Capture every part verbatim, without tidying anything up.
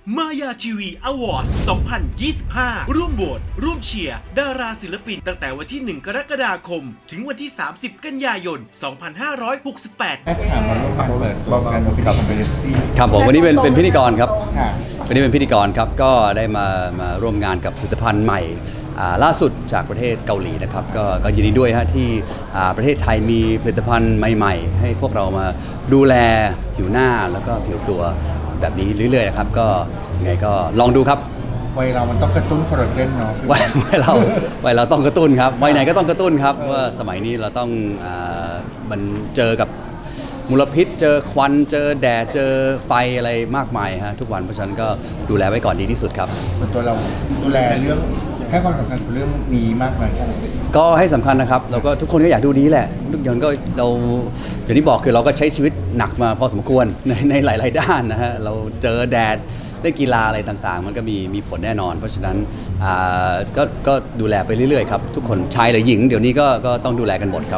มายาทีวีอวอร์ดสองพันยี่สิบห้า ร่วมโหวตร่วมเชียร์ดาราศิลปินตั้งแต่วันที่ หนึ่ง กรกฎาคม ถึงวันที่ สามสิบ กันยายน สองพันห้าร้อยหกสิบแปดแอดถามมาร่วมงานเปิดตัวกันเป็นคอมเบเรซี่ครับผมวันนี้เป็นเป็นพิธีกรครับค่ะวันนี้เป็นพิธีกรครับก็ได้มามาร่วมงานกับผลิตภัณฑ์ใหม่อ่าล่าสุดจากประเทศเกาหลีนะครับก็ก็ยินดีด้วยฮะที่อ่าประเทศไทยมีผลิตภัณฑ์ใหม่ๆ ให้พวกเรามาดูแลผิวหน้าแล้วก็ผิวตัวแบบนี้เรื่อยๆนะครับก็ยังไงก็ลองดูครับวัยเรามันต้องกระตุ้นคอลลาเจนเนาะวัยวัยเราวัยเราต้องกระตุ้นครับวัยไหนก็ต้องกระตุ้นครับว่าสมัยนี้เราต้องอ่ามันเจอกับมลพิษเจอควันเจอแดดเจอไฟอะไรมากมายฮะทุกวันเพราะฉะนั้นก็ดูแลไว้ก่อนดีที่สุดครับส่วนตัวเราดูแลเรื่องให้ความสำคัญกับเรื่องนี้มากไหมก็ให้สำคัญนะครับแล้วก็ทุกคนก็อยากดูดีแหละทุกอย่างก็เราอย่างที่บอกคือเราก็ใช้ชีวิตหนักมาพอสมควรในในหลาย ๆ ด้านนะฮะเราเจอแดดเล่นกีฬาอะไรต่างๆ มันก็มีมีผลแน่นอน เพราะฉะนั้นอ่าก็ก็ดูแลไปเรื่อย ๆ ครับ ทุกคนชายหรือหญิง เดี๋ยวนี้ก็ก็ต้องดูแลกันหมดครับ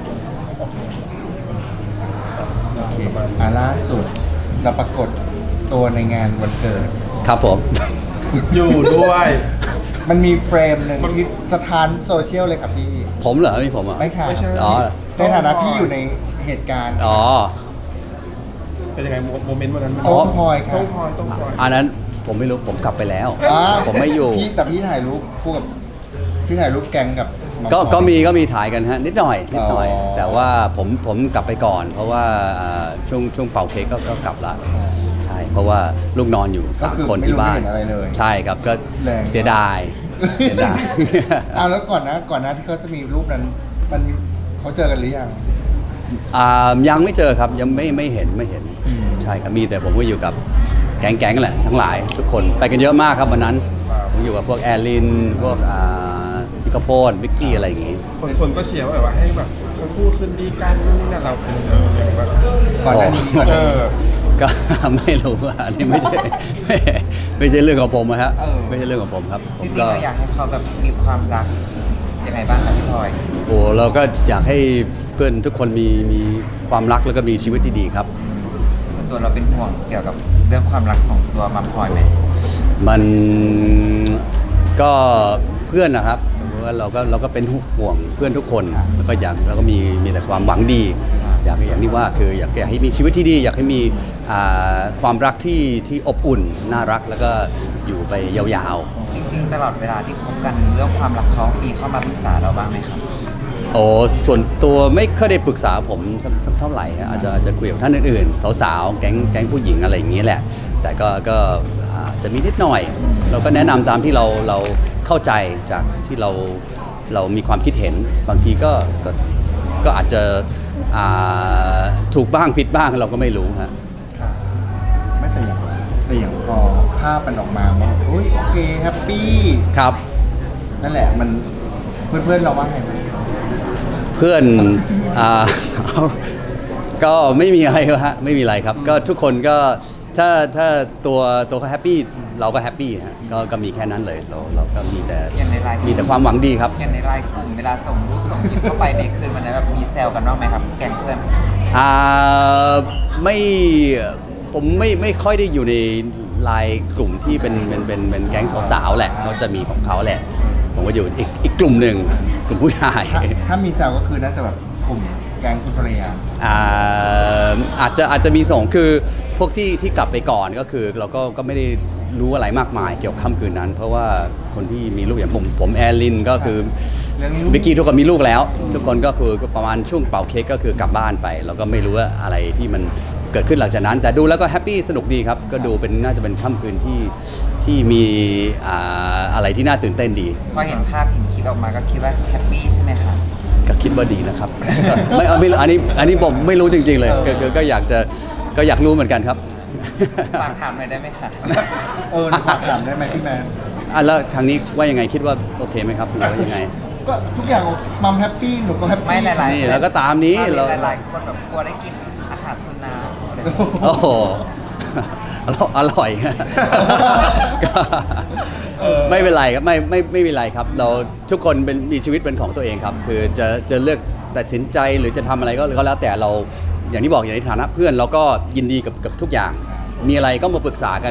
โอเคอ่าล่าสุดเราปรากฏตัวในงานวันเกิดครับผมอยู่ด้วยมันมีเฟรมหนึ่งที่สถานโซเชียลเลยครับพี่ผมเหรอไม่ผมอ่ะไม่ค่ะไม่ใช่อ๋อในฐานะพี่อยู่ในเหตุการณ์อ๋อเป็นยังไงโมเมนต์วันนั้นมันอ๋อต้องพลอยครัต้บองพลอยต้องพลอยอันนั้นผมไม่รู้ผมกลับไปแล้วอ่าผมไม่อยู่พี่แต่พี่ถ่ายรูปคู่กับพี่ถ่ายรูปแกงกับน้องก็พลอยก็มีก็มีถ่ายกันฮะนิดหน่อยนิดหน่อยอ๋อแต่ว่าผมผมกลับไปก่อน เพราะว่าอ่าช่วงช่วงเป่าเค้กก็ก็กลับละใช่เพราะว่าลูกนอนอยู่สามคนที่บ้านก็คือไม่รู้ไม่เห็นอะไรเลยใช่ครับก็แรงเสียดายเสียดายอ่าแล้วก่อนนะก่อนนะที่เขาจะมีรูปนั้นมันมีเขาเจอกันหรือยังอ่ายังไม่เจอครับยังไม่ไม่เห็นไม่เห็นอืมใช่ครับมีแต่ผมก็อยู่กับแก๊งแก๊งแหละทั้งหลายทุกคนไปกันเยอะมากครับวันนั้นผมอยู่กับพวกแอร์ลินพวกอ่าพิกาโพนวิกกี้อะไรอย่างงี้คนคนก็เชียร์ว่าแบบว่าให้แบบทั้งคู่ขึ้นดีกันนู่นนี่นั่นเราเป็นเอออย่างแบบก่อนหน้านี้ก่อนหเอน้านี้อก็ ไม่รู้อ่ะอันนี้ไม่ใช่ ไม่ไม่ใช่เรื่องของผมอะฮะเออไม่ใช่เรื่องของผมครับผจมริงๆก็เราอยากให้เขาแบบมีความรักยังไงบ้างคะพี่พลอยโอ้เราก็อยากให้เพื่อนทุกคนมีมีความรักแล้วก็มีชีวิตที่ดีครับส่วนตัวเราเป็นห่วงเกี่ยวกับเรื่องความรักของตัวมัมพลอยไหมมันก็เพื่อนนะครับเพราะว่าเราก็เราก็เป็นห่วงเพื่อนทุกคนแล้วก็อยากแล้วก็มีมีแต่ความหวังดี อยากอย่างที่ว่าคืออยากอยากให้มีชีวิตที่ดี อยากให้มีอ่าความรักที่ที่อบอุ่นน่ารักแล้วก็อยู่ไปยาวๆจริงๆ ตลอดเวลาที่คบกันเรื่องความรักเขามีเข้ามาปรึกษาเราบ้างไหมครับโอ้ส่วนตัวไม่ค่อยได้ปรึกษาผมสักสักเท่าไหร่ฮะอาจจะอาจจะคุยกับท่านอื่นๆสาวๆแก๊งแก๊งผู้หญิงอะไรอย่างนี้แหละ แต่ก็ก็อาจจะมีนิดหน่อย เราก็แนะนำตามที่เราเราเข้าใจจากที่เราเรามีความคิดเห็นบางทีก็ก็ก็อาจจะอ่าถูกบ้างผิดบ้างเราก็ไม่รู้ฮะไม่แต่อย่างแต่อย่างพอภาพมันออกมามันโอ้ยโอเคแฮปปี้ครับนั่นแหละมันเพื่อนๆเราว่าไงไหมเพื่อน อ่า ก็ไม่มีอะไรฮะไม่มีอะไรครับ ก็ทุกคนก็ถ้าถ้าตัวตัวเขาแฮปปี้เราก็แฮปปี้ฮะก็ก็มีแค่นั้นเลยเราเราก็มีแต่อย่างในไลน์มีแต่ความหวังดีครับอย่างในไลน์กลุ่มเวลาส่งรูปส่งคลิปเข้าไปในคืนวันนั้นแบบมีแซวกันบ้างไหมครับแก๊งเพื่อนอ่าไม่ผมไม่ไม่ค่อยได้อยู่ในไลน์กลุ่มที่เป็นเป็นเป็นเป็นแก๊งสาวๆแหละเขาจะมีของเขาแหละ ผมก็อยู่อีกอีกกลุ่มหนึ่งกลุ่มผู้ชายถ้าถ้ามีแซวก็คือน่าจะแบบกลุ่มแก๊งคุณภรรยาอ่าอาจจะอาจจะมีส่งคือพวกที่ที่กลับไปก่อนก็คือเราก็ก็ไม่ได้รู้อะไรมากมายเกี่ยวกับค่ำคืนนั้น เพราะว่าคนที่มีลูกอย่างผมผมแอร์ลินก็คือเรื่องนี้วิกกี้ทุกคนมีลูกแล้ว ทุกคนก็คือประมาณช่วงเป่าเค้กก็คือกลับบ้านไป แล้วก็ไม่รู้ว่าอะไรที่มันเกิดขึ้นหลังจากนั้น แต่ดูแล้วก็แฮปปี้สนุกดีครับ ก็ดูเป็นน่าจะเป็นค่ำคืนที่ที่มีอ่าอะไรที่น่าตื่นเต้นดีพอเห็นภาพเห็นคลิปออกมาก็คิดว่าแฮปปี้ใช่ไหมครับก็คิดว่าดีนะครับ ไม่เอาไม่อันนี้อันนี้ผมไม่รู้จริง ๆ เลยก็ก็ก็อยากจะก็อยากรู้เหมือนกันครับฝากถามหน่อยได้ไหมคะเออฝากถามได้ไหมพี่แมนอ่ะแล้วทางนี้ว่ายังไงคิดว่าโอเคไหมครับหรือว่ายังไงก็ทุกอย่างมัมแฮปปี้หนูก็แฮปปี้ไม่หลายนี่แล้วก็ตามนี้เราหลายๆคนแบบกลัวได้กินอาหารสุนัขอะไรแบบนี้โอ้โห อร่อยอร่อย ก็ไม่เป็นไรครับไม่ไม่ไม่เป็นไรครับ เราทุกคนเป็นมีชีวิตเป็นของตัวเองครับ คือจะจะเลือกตัดสินใจหรือจะทำอะไรก็ก็แล้วแต่เราอย่างที่บอกอย่างในฐานะเพื่อนเราก็ยินดีกับกับทุกอย่าง มีอะไรก็มาปรึกษากัน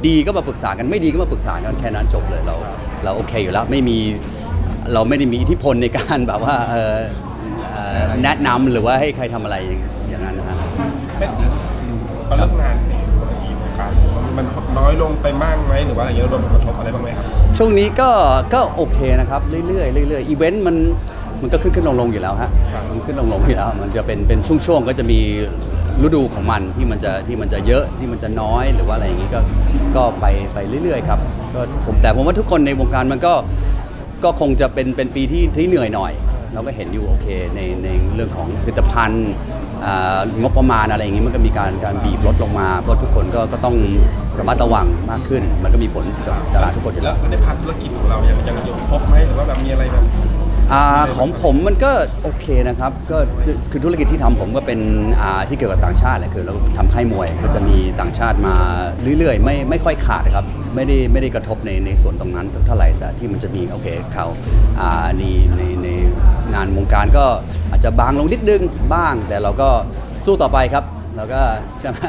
ดีก็มาปรึกษากันไม่ดีก็มาปรึกษากันแค่นั้นจบเลยเราเราโอเคอยู่แล้วไม่มีเราไม่ได้มีอิทธิพลในการแบบว่าเออเอ่อแนะนำหรือว่าให้ใครทำอะไรอย่างนั้นนะฮะไม่พอเลิกงานในธุรกิจการมันน้อยลงไปมากไหมหรือว่าอะไรเงี้ยโดนผลกระทบอะไรบ้างไหมครับช่วงนี้ก็ก็โอเคนะครับเรื่อยๆเรื่อยๆอีเวนต์มันมันก็ขึ้นขึ้นลงลงอยู่แล้วฮะมันขึ้นลงลงอยู่แล้วมันจะเป็นเป็นช่วงๆก็จะมีฤดูของมันที่มันจะที่มันจะเยอะที่มันจะน้อยหรือว่าอะไรอย่างนี้ก็ก็ไปไปเรื่อยๆครับก็ผมแต่ผมว่าทุกคนในวงการมันก็ก็คงจะเป็นเป็นปีที่ที่เหนื่อยหน่อยเราก็เห็นอยู่โอเคในในเรื่องของผลิตภัณฑ์อ่างบประมาณอะไรอย่างนี้มันก็มีการการบีบลดลงมาเพราะทุกคนก็ก็ต้องระมัดระวังมากขึ้น มันก็มีผลกับดาราทุกคนอยู่แล้แล้ว วในภาคธุรกิจของเรายังยังยังครบไหมหรือว่าแบบมีอะไรแบบอ่าของผมมันก็โอเคนะครับก็คือคือธุรกิจที่ทำผมก็เป็นอ่าที่เกี่ยวกับต่างชาติแหละคือเราทำค่ายมวยก็จะมีต่างชาติมาเรื่อยๆไม่ไม่ค่อยขาดครับไม่ได้ไม่ได้กระทบในในส่วนตรงนั้นสักเท่าไหร่แต่ที่มันจะมีโอเคเขาอ่าในในในงานวงการก็อาจจะบางลงนิดนึงบ้าง แต่เราก็สู้ต่อไปครับเราก็ใช่ไหม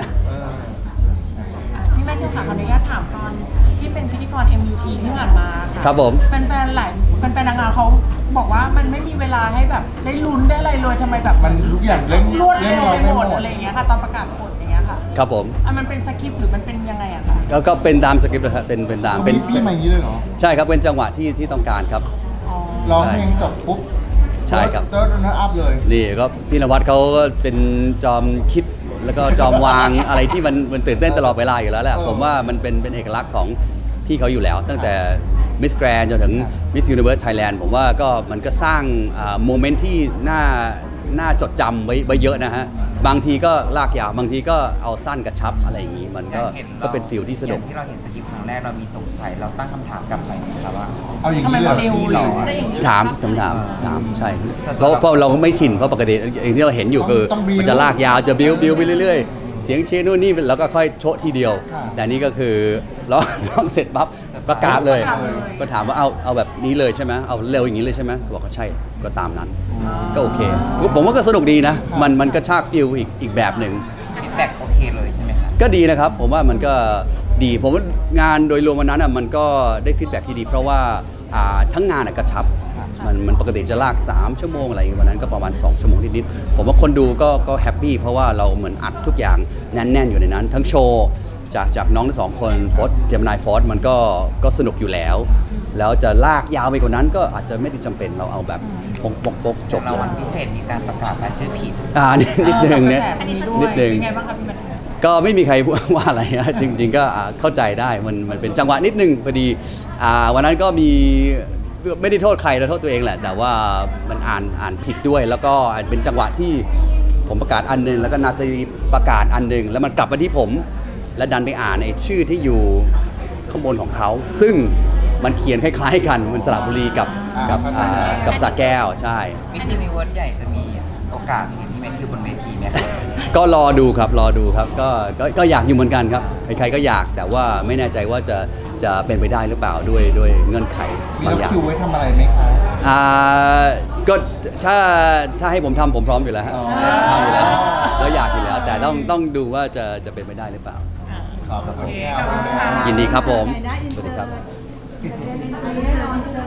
พี่แมทธิวค่ะขออนุญาตถามตอนที่เป็นพิธีกร เอ็ม ยู ที ที่ผ่านมาค่ะครับผมแฟนๆหลายแฟนๆนางงามเขาบอกว่ามันไม่มีเวลาให้แบบได้ลุ้นได้อะไรเลยทำไมแบบมันทุกอย่างเร่งรวดเร่เร็งวเราไปไม่หหมมดดอะไรอย่างเงี้ยค่ะตอนประกาศผลอย่างเงี้ยค่ะครับผมอ่ะมันเป็นสคริปต์หรือมันเป็นยังไงอะคะก็ก็เป็นตามสคริปต์เลยครับเป็นเป็นตามเขาเป็มีนพี่มาอย่างนี้เลยเหรอใช่ครับเป็นจังหวะที่ที่ต้องการครับอ๋อร้องเพลงจบปุ๊บใช่ครับเติร์ดนัทอัพเลยนี่ก็พี่นวัดเขาก็เป็นจอมคิดแล้วก็จอมวาง อะไรที่มันมันตื่นเต้นตลอดเวลาอยู่แล้วแหละเออผมว่ามันเป็นเป็นเอกลักษณ์ของพี่เขาอยู่แล้ว ตั้งแต่ Miss Grand จนถึง Miss Universe Thailand ผมว่าก็มันก็สร้างโมเมนต์ที่น่าน่าจดจำไว้ไว้เยอะนะฮะ บางทีก็ลากยาวบางทีก็เอาสั้นกระชับอะไรอย่างนี้ มันก็อย่างห็ราก็เป็นฟิลที่สนุกอย่างที่เราเห็นสกิปครั้งแรกเรามีสงสัยเราตั้งคำถามกลับไปไหมครับว่าเอาอย่างทำไมนี้เลยมันเร็วพี่เลหรยอได้อย่างนี้ถามถามถามถามใช่เพราะเพราะเราก็ไม่ชินเพราะปกติอย่างที่เราเห็นอยู่คือต้องบิ้วมันจะลากยาวจะบิ้วบิ้วไปเรื่อยๆ เสียงเชียร์นู่นนี่แล้วก็ค่อยโชะทีเดียวค่ะแต่นี่ก็คือร้องร้องเสร็จปั๊บประกาศเลยประกาศเลยก็ถามว่าเอาเอาแบบนี้เลยใช่ไหมเอาเร็วอย่างนี้เลยใช่ไหมก็บอกว่าใช่ก็ตามนั้น ก็โอเค ผมว่าก็สนุกดีนะ มันมันก็ชากฟิลอีกอีกแบบหนึ่งฟีดแบ็กโอเคเลยใช่ไหมครับก็ดีนะครับ ผมว่ามันก็ดี ผมว่างานโดยรวมวันนั้นอ่ะมันก็ได้ฟีดแบ็กที่ดี เพราะว่าอ่าทั้งงานอ่ะกระชับ มันมันปกติจะลาก สาม ชั่วโมงอะไรอย่างเงี้ยวันนั้นก็ประมาณ สอง ชั่วโมงนิดๆผมว่าคนดูก็ก็แฮปปี้เพราะว่าเราเหมือนอัดทุกอย่างแน่นๆอยู่ในนั้น ทั้งโชว์จากจากน้องทั้งสองคนฟอสเจมินายฟอสมันก็ก็สนุกอยู่แล้ว แล้วจะลากยาวไปกว่านั้นก็อาจจะไม่ได้จำเป็นเราเอาแบบปกปกปกจบรางเลวัลยพิเศษมีการประกาศรายชื่อผิดอ่านิดนิดนึงเนี่ยอันนี้ด้วยนิดนึงเป็นไงบ้างครับพี่แมทธิวก็ไม่มีใคร ว่าอะไรนะ จริงๆก็อ่าเข้าใจได้มันมันเป็นจังหวะนิดนึงพอดีอ่าวันนั้นก็มีไม่ได้โทษใครเราโทษตัวเองแหละ แต่ว่ามันอ่านอ่านผิดด้วย แล้วก็เป็นจังหวะที่ผมประกาศอันหนึงแล้วก็นาตาลีประกาศอันหนึงแล้วมันกลับมาที่ผม แล้วดันไปอ่านไอ้ชื่อที่อยู่ข้างบนของเขา ซึ่งมันเขียนคล้ายๆกันมันสระบุรีกับกับอ่าเข้าใจอ่ากับสระแก้วใช่มิสซินิเวิร์สใหญ่จะมีโอกาสเห็นพี่แมทธิวบนเวทีไหมครับก็รอดูครับรอดูครับก็ก็ก็อยากอยู่เหมือนกันครับใครๆก็อยากแต่ว่าไม่แน่ใจว่าจะจะเป็นไปได้หรือเปล่าด้วยด้วยเงื่อนไขมีบางรับอย่างคิวไว้ทำอะไรไหมคะอ่าก็ถ้าถ้าให้ผมทำผมพร้อมอยู่แล้วฮะอ๋อทำอยู่แล้วก็อยากอยู่แล้ว แต่ต้องต้องดูว่าจะจะเป็นไปได้หรือเปล่าขอบคุณโอเคค่ะขอบคุณค่ะยินดีครับผมสวัสดีครับ Identity ให้น้องใช่ไหม